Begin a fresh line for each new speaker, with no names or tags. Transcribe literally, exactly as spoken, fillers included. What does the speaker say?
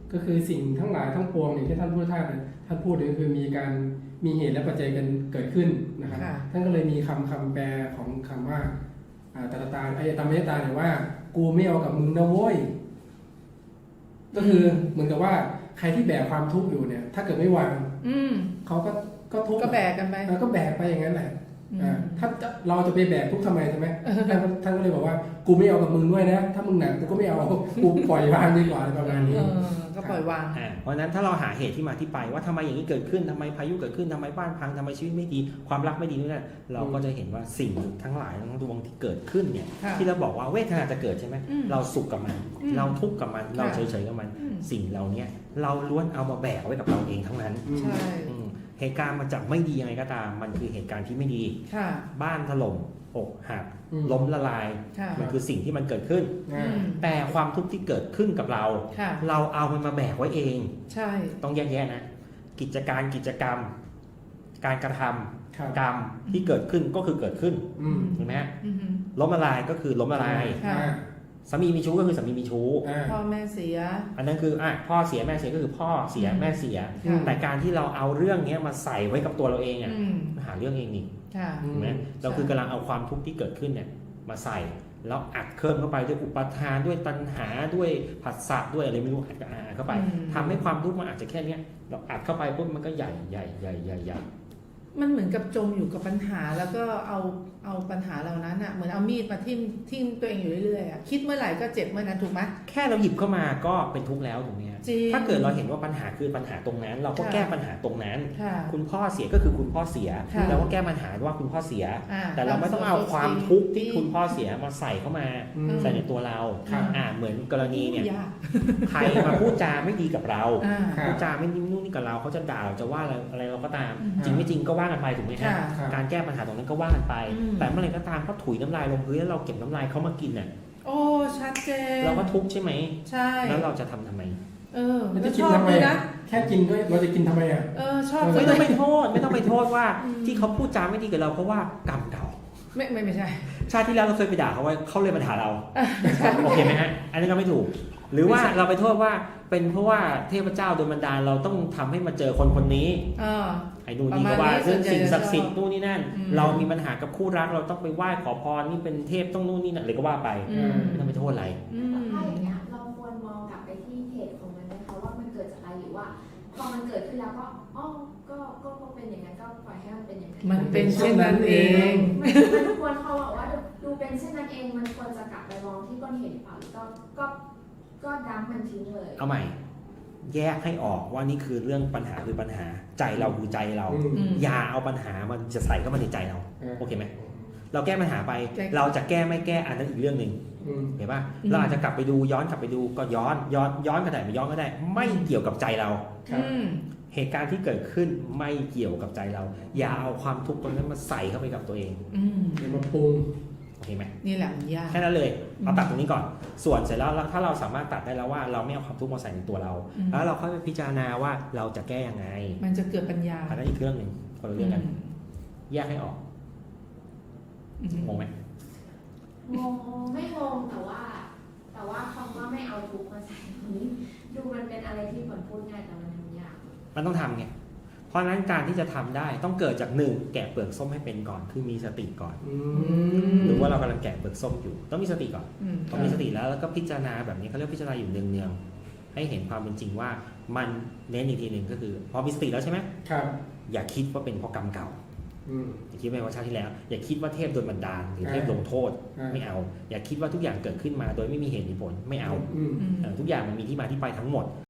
ก็คือสิ่งทั้งหลายทั้งปวงอย่างที่ท่านพูดท่านท่านพูดก็คือมีการมีเหตุและปัจจัยกันเกิดขึ้นนะครับท่านก็เลยมีคำคำแปลของคำว่าตตาไอ้ตามเมตตาเนี่ยว่ากูไม่เอากับมึงนะโว้ยก็คือเหมือนกับว่าใครที่แบกความทุกข์อยู่เนี่ยถ้าเกิดไม่วางเขาก็ก็ทุกข์
ก็แบกกันไป
ก็แบกไปอย่างนั้นแหละถ้าเราจะไปแบกทุกข์ทำไมใช่ไหมท่านก็เลยบอกว่ากูไม่เอากับมึงด้วยนะถ้ามึงหนักกูก็ไม่เอากูปล่อยวางดีกว่าประมาณนี้
ก็ปล่อยวาง
เพราะนั้นถ้าเราหาเหตุที่มาที่ไปว่าทำไมอย่างนี้เกิดขึ้นทำไมพายุเกิดขึ้นทำไมบ้านพังทำไมชีวิตไม่ดีความรักไม่ดีนู่นนั่นเราก็จะเห็นว่าสิ่งทั้งหลายทั้งดวงที่เกิดขึ้นเนี่ยที่เราบอกว่าเวทนาจะเกิดใช่ไหมเราสุขกับมันเราทุกข์กับมันเราเฉยๆกับมันสิ่งเหล่านี้เราล้วนเอามาแบกไว้กับเราเองทั้งนั้นเหตุการณ์มันจะไม่ดียังไงก็ตามมันคือเหตุการณ์ที่ไม่ดีบ้านถล่มอกหักล้มละลายมันคือสิ่งที่มันเกิดขึ้นแต่ความทุกข์ที่เกิดขึ้นกับเราเราเอามันมาแบกไว้เอง
ใช่
ต้องแยกแยะนะกิจการกิจกรรมการกระทำกรรมที่เกิดขึ้นก็คือเกิดขึ้นเห็นไหมล้มละลายก็คือล้มละลายสามีมีชู้ก็คือสามีมีชู้
พ่อแม่เสีย
อันนั้นคืออ่ะพ่อเสียแม่เสียก็คือพ่อเสียแม่เสียแต่การที่เราเอาเรื่องนี้มาใส่ไว้กับตัวเราเองอ่ะหาเรื่องเองนี่เห็นไหมเราคือกำลังเอาความทุกข์ที่เกิดขึ้นเนี่ยมาใส่แล้วอัดเคลื่อนเข้าไปด้วยอุปทานด้วยตัณหาด้วยผัสสะด้วยอะไรไม่รู้อัดเข้าไปทำให้ความทุกข์มันอาจจะแค่นี้เราอัดเข้าไปปุ๊บมันก็ใหญ่ใหญ่ใหญ่ใหญ่ใหญ่
มันเหมือนกับจมอยู่กับปัญหาแล้วก็เอาเอาปัญหาเหล่านั้นอ่ะเหมือนเอามีดมาทิ่มทิ่มตัวเองอยู่เรื่อยๆอ่ะคิดเมื่อไหร่ก็เจ็บเมื่อนั้นถูกไหม
แค่เราหยิบเข้ามาก็เป็นทุกข์แล้วถูกไหมถ้าเกิดเราเห็นว่าปัญหาคือปัญหาตรงนั้นเราก็แก้ปัญหาตรงนั้นคุณพ่อเสียก็คือคุณพ่อเสียเราก็แก้ปัญหาว่าคุณพ่อเสียแต่เราไม่ต้องเอาความทุกข์ที่คุณพ่อเสียมาใส่เข้ามาใส่ในตัวเราอ่าเหมือนกรณีเนี่ยใครมาพูดจาไม่ดีกับเราพูดจาไม่นิ่มนุ่มนี่กับเราเขาจะด่าเราจะว่าอะไรเราก็ตามจริงไม่จริงก็ว่ากันไปถูกไหมฮะการแก้ปัญหาตรงนั้นก็ว่ากันไปแต่เมื่อไหร่ก็ตามเขาถุยน้ำลายลงพื้นแล้วเราเก็บน้ำลายเขามากินน่ะ
โอ้ชัดเจน
เราก็ทุกข์ใช่ไหม
ใช่
แล้วเราจะทำทำไม
เออ
มันจะกินทำไมนะแค่กินด้วยเราจะกินทำไมอ่ะ
เออชอบ
ไม่ต้องไปโทษไม่ต้องไปโทษว่าที่เขาพูดจาไม่ดีกับเราเพราะว่ากรรมเก่า
ไม่ไม่ไม่ใช่
ชาติที่แล้วเราเคยไปด่าเขาไว้เขาเลยมาด่าเราโอเคไหมฮะอันนี้ก็ไม่ถูกหรือว่าเราไปโทษว่าเป็นเพราะว่าเทพเจ้าโดนบันดาลเราต้องทำให้มาเจอคนคนนี้ไอ้นู่นนี่ก็ว่าซึ่งสิ่งศักดิ์สิทธิ์นู่นนี่นั่นเรามีปัญหากับคู่รักเราต้องไปไหว้ขอพรนี่เป็นเทพต้องนู่นนี่นั่นอะไรก็ว่าไปไม่ต้องไปโทษอะไร
ถ้าอย่างเงี้ยเราควรมองกลับไปที่เหตุของมันไหมคะว่ามันเกิดจากอะไรหรือว่าพอมันเกิดขึ้นแล้วก็อ๋อก็ก็เป็นอย่างนั้นก็ปล่อยให้มันเป็นอย่างนั้น
มันเป็นเช่นนั้นเอง
มันควรเขาบอกว่าดูเป็นเช่นนั้นเองมันควรจะกลับไปมองที่ต้นเหตุเปล่าก็ก็ก็ดั้มมันทิ้งเลย
เอาใหม่แยกให้ออกว่านี่คือเรื่องปัญหาคือปัญหาใจเราคือใจเราอย่าเอาปัญหามันจะใส่เข้ามาในใจเราโอเคไหมเราแก้ปัญหาไปเราจะแก้ไม่แก้อันนั้นอีกเรื่องหนึ่งเห็นป่ะเราอาจจะกลับไปดูย้อนกลับไปดูก็ย้อนย้อนย้อนก็ได้ไม่ย้อนก็ได้ไม่เกี่ยวกับใจเราเหตุการณ์ที่เกิดขึ้นไม่เกี่ยวกับใจเราอย่าเอาความทุกข์ตรงนั้นมาใส่เข้าไปกับตัวเอง
อย่ามาปรุง
โอเคไหม
นี่แหละมันยาก
แค่นั้นเลยเอาตัดตรงนี้ก่อนส่วนเสร็จแล้วถ้าเราสามารถตัดได้แล้วว่าเราไม่เอาความทุกข์มาใส่ในตัวเราแล้วเราค่อยไปพิจารณาว่าเราจะแก้ยังไง
มันจะเกิดปัญญา
อันนั้นอีกเรื่องหนึ่งคนละเรื่องกันแยกให้ออกงงไหม
งงไม่งงแต่ว่าแต่ว่าคำว่าไม่เอาทุกข์มาใส่ตรงนี้ดูมันเป็นอะไรที่ผลพูดง่ายแต่มันทำยาก
มันต้องทำไงเพราะนั้นการที่จะทำได้ต้องเกิดจากหนึ่งแกะเปลือกส้มให้เป็นก่อนคือมีสติก่อนหรือว่าเรากำลังแกะเปลือกส้มอยู่ต้องมีสติก่อนต้องมีสติแล้วแล้วก็พิจารณาแบบนี้เขาเรียกพิจารณาอยู่เนืองๆให้เห็นความเป็นจริงว่ามันเน้นอีกทีหนึ่งก็คือพอมีสติแล้วใช่ไหม
ครับ
อย่าคิดว่าเป็นเพราะกรรมเก่าอย่าคิดว่าชาติที่แล้วอย่าคิดว่าเทพโดนบันดาลหรือเทพลงโทษไม่เอาอย่าคิดว่าทุกอย่างเกิดขึ้นมาโดยไม่มีเหตุมีผลไม่เอาทุกอย่างมันมีที่มาที่ไปทั้งหมด